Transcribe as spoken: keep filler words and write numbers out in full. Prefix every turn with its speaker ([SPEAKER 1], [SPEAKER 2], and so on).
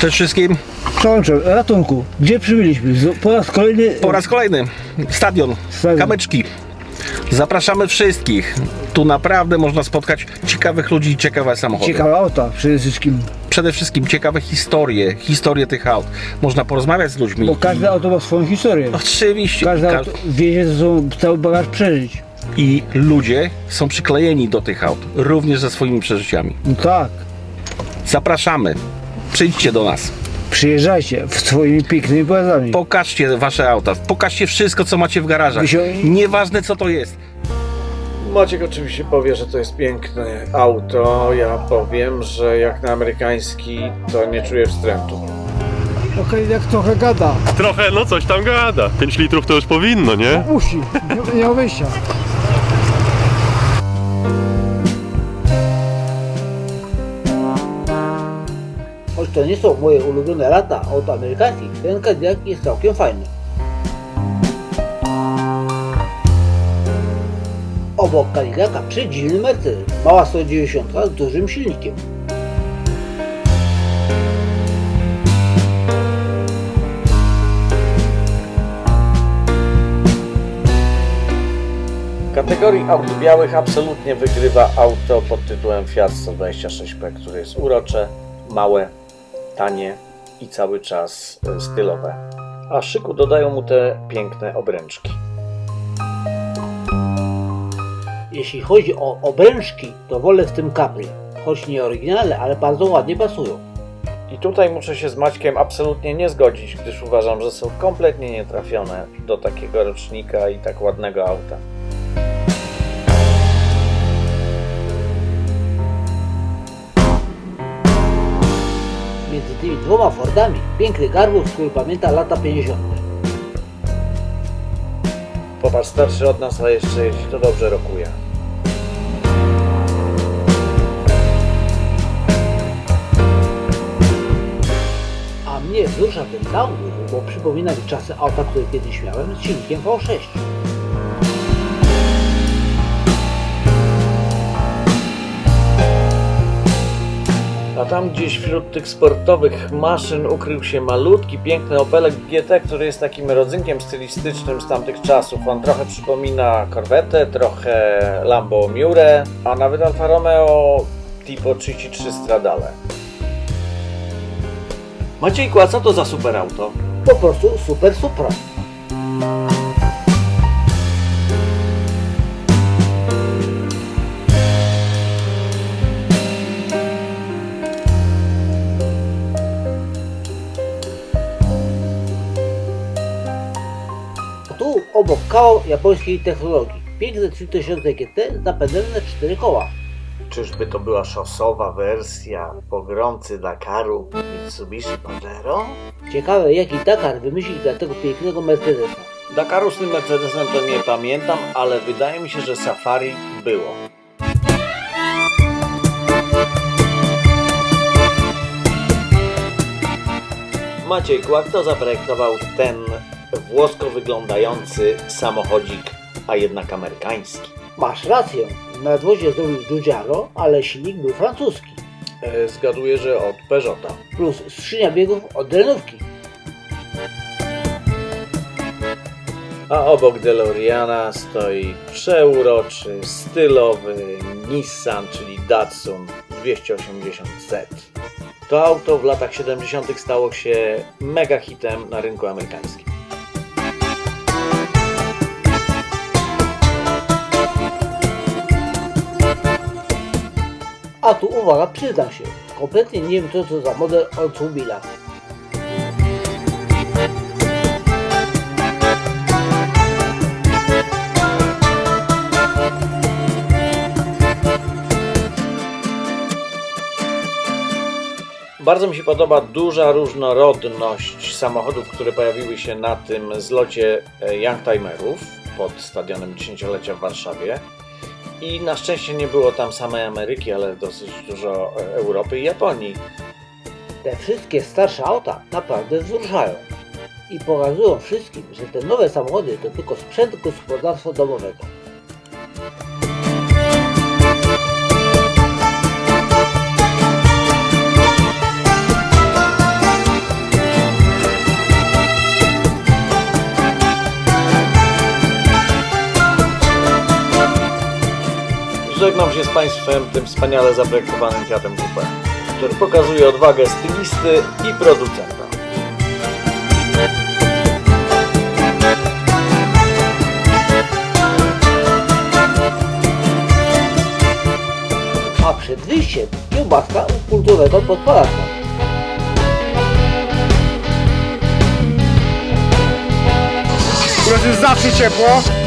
[SPEAKER 1] Cześć wszystkim.
[SPEAKER 2] Przełączę, ratunku. Gdzie przybyliśmy? Z- Po raz kolejny.
[SPEAKER 1] Po raz kolejny stadion,
[SPEAKER 2] Stadion.
[SPEAKER 1] Kamyczki. Zapraszamy wszystkich. Tu naprawdę można spotkać ciekawych ludzi i ciekawe samochody.
[SPEAKER 2] Ciekawe auta przede wszystkim.
[SPEAKER 1] Przede wszystkim ciekawe historie, historie tych aut. Można porozmawiać z ludźmi.
[SPEAKER 2] Bo każde auto ma swoją historię.
[SPEAKER 1] Oczywiście.
[SPEAKER 2] Każde
[SPEAKER 1] Ka-
[SPEAKER 2] auto wie, że są cały bagaż przeżyć.
[SPEAKER 1] I ludzie są przyklejeni do tych aut, również ze swoimi przeżyciami.
[SPEAKER 2] No tak.
[SPEAKER 1] Zapraszamy. Przyjdźcie do nas.
[SPEAKER 2] Przyjeżdżajcie w swoimi pięknymi pojazdami.
[SPEAKER 1] Pokażcie wasze auta. Pokażcie wszystko, co macie w garażach.
[SPEAKER 2] Wysio-
[SPEAKER 1] Nieważne, co to jest.
[SPEAKER 3] Maciek oczywiście powie, że to jest piękne auto. Ja powiem, że jak na amerykański to nie czuję wstrętu.
[SPEAKER 2] Okej, jak trochę gada.
[SPEAKER 4] Trochę, no coś tam gada. pięć litrów to już powinno, nie?
[SPEAKER 2] Musi. Nie ma wyjścia.
[SPEAKER 5] Choć to nie są moje ulubione lata aut amerykańskich, ten Cadillac jest całkiem fajny. Obok Cadillaca przedziwny Mercedes, mała sto dziewięćdziesiąt z dużym silnikiem.
[SPEAKER 3] W kategorii aut białych absolutnie wygrywa auto pod tytułem Fiat sto dwadzieścia sześć P, które jest urocze, małe, tanie i cały czas e, stylowe. A szyku dodają mu te piękne obręczki.
[SPEAKER 5] Jeśli chodzi o obręczki, to wolę w tym Capri. Choć nie oryginalne, ale bardzo ładnie pasują.
[SPEAKER 3] I tutaj muszę się z Maćkiem absolutnie nie zgodzić, gdyż uważam, że są kompletnie nietrafione do takiego rocznika i tak ładnego auta.
[SPEAKER 5] Między tymi dwoma Fordami piękny garbus, który pamięta lata pięćdziesiąte.
[SPEAKER 3] Popatrz, starszy od nas, a jeszcze jeśli to dobrze rokuje.
[SPEAKER 5] A mnie wzrusza ten downwheel, bo przypomina mi czasy auta, które kiedyś miałem z silnikiem V sześć.
[SPEAKER 3] A tam gdzieś wśród tych sportowych maszyn ukrył się malutki, piękny Opelek G T, który jest takim rodzynkiem stylistycznym z tamtych czasów. On trochę przypomina Corvette, trochę Lambo Miure, a nawet Alfa Romeo Tipo trzydzieści trzy Stradale. Maciejku, a co to za super auto?
[SPEAKER 5] Po prostu super supra. A tu obok kawał japońskiej technologii. Piękne trzy tysiące G T z napędem na cztery koła.
[SPEAKER 3] Czyżby to była szosowa wersja pogromcy Dakaru Mitsubishi Pajero?
[SPEAKER 5] Ciekawe jaki Dakar wymyślił dla tego pięknego Mercedesa.
[SPEAKER 3] Dakaru z tym Mercedesem to nie pamiętam, ale wydaje mi się, że Safari było. Maciejku, a kto zaprojektował ten włosko wyglądający samochodzik, a jednak amerykański?
[SPEAKER 5] Masz rację, nadwozie zrobił Giugiaro, ale silnik był francuski.
[SPEAKER 3] E, zgaduję, że od Peugeota.
[SPEAKER 5] Plus skrzynia biegów od Renówki.
[SPEAKER 3] A obok DeLoreana stoi przeuroczy, stylowy Nissan, czyli Datsun dwieście osiemdziesiąt Z. To auto w latach siedemdziesiątych stało się mega hitem na rynku amerykańskim.
[SPEAKER 5] A tu uwaga, przyznam się, kompletnie nie wiem co to za model Oldsmobila.
[SPEAKER 3] Bardzo mi się podoba duża różnorodność samochodów, które pojawiły się na tym zlocie Youngtimerów pod stadionem dziesięciolecia w Warszawie. I na szczęście nie było tam samej Ameryki, ale dosyć dużo Europy i Japonii.
[SPEAKER 5] Te wszystkie starsze auta naprawdę wzruszają. I pokazują wszystkim, że te nowe samochody to tylko sprzęt gospodarstwa domowego.
[SPEAKER 3] żegnam się z Państwem tym wspaniale zaprojektowanym Fiatem Coupe, który pokazuje odwagę stylisty i producenta.
[SPEAKER 5] A przed wyjściem kiełbaska u kultowego podpalacza.
[SPEAKER 6] U nas jest zawsze ciepło,